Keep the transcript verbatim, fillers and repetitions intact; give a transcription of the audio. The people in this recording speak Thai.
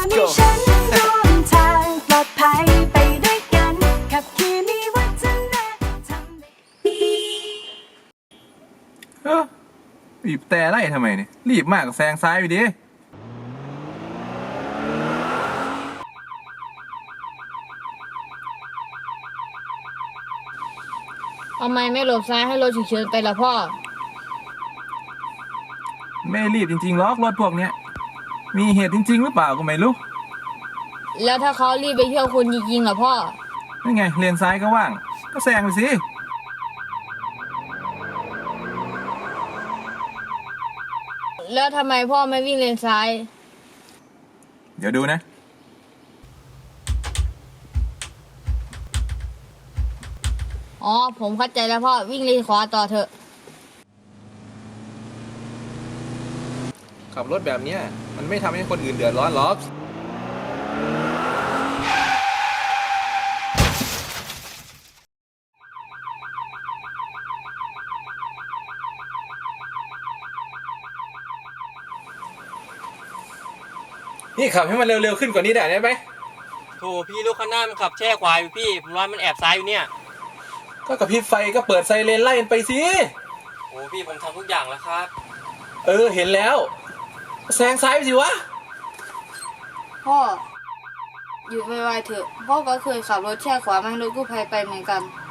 ให้ฉันร่วมทางปลอดภัยไปด้วยกันขับขี่มีวัฒนธรรมเออบีบแต่ไล่ทำไมเนี่ยรีบมากแซงซ้ายไปดิทำไมไม่หลบซ้ายให้รถฉุกเฉินไปล่ะพ่อไม่รีบจริงๆหรอกรถพวกเนี้ยมีเหตุจริงๆหรือเปล่าก็ไม่รู้แล้วถ้าเขารีบไปเที่ยวคุณจริงๆล่ะพ่อนี่ไงเลนซ้ายก็ว่างก็แซงไปสิแล้วทำไมพ่อไม่วิ่งเลนซ้ายเดี๋ยวดูนะอ๋อผมเข้าใจแล้วพ่อวิ่งเลนขวาต่อเถอะขับรถแบบนี้มันไม่ทำให้คนอื่นเดือดร้อนหรอกนี่ขับให้มันเร็วๆขึ้นกว่านี้ได้ไหมโถพี่รถข้างหน้ามันขับแช่ขวาอยู่พี่ผมว่ามันแอบซ้ายอยู่เนี่ยก็กระพริบไฟก็เปิดไซเรนไล่มันไปสิโอ้พี่ผมทำทุกอย่างแล้วครับเออเห็นแล้วแซงซ้ายไปสิวะพ่อหยุดไวๆเถอะพ่อก็เคยขับรถแช่ขวามาให้รถกู้ภัยไปเหมือนกัน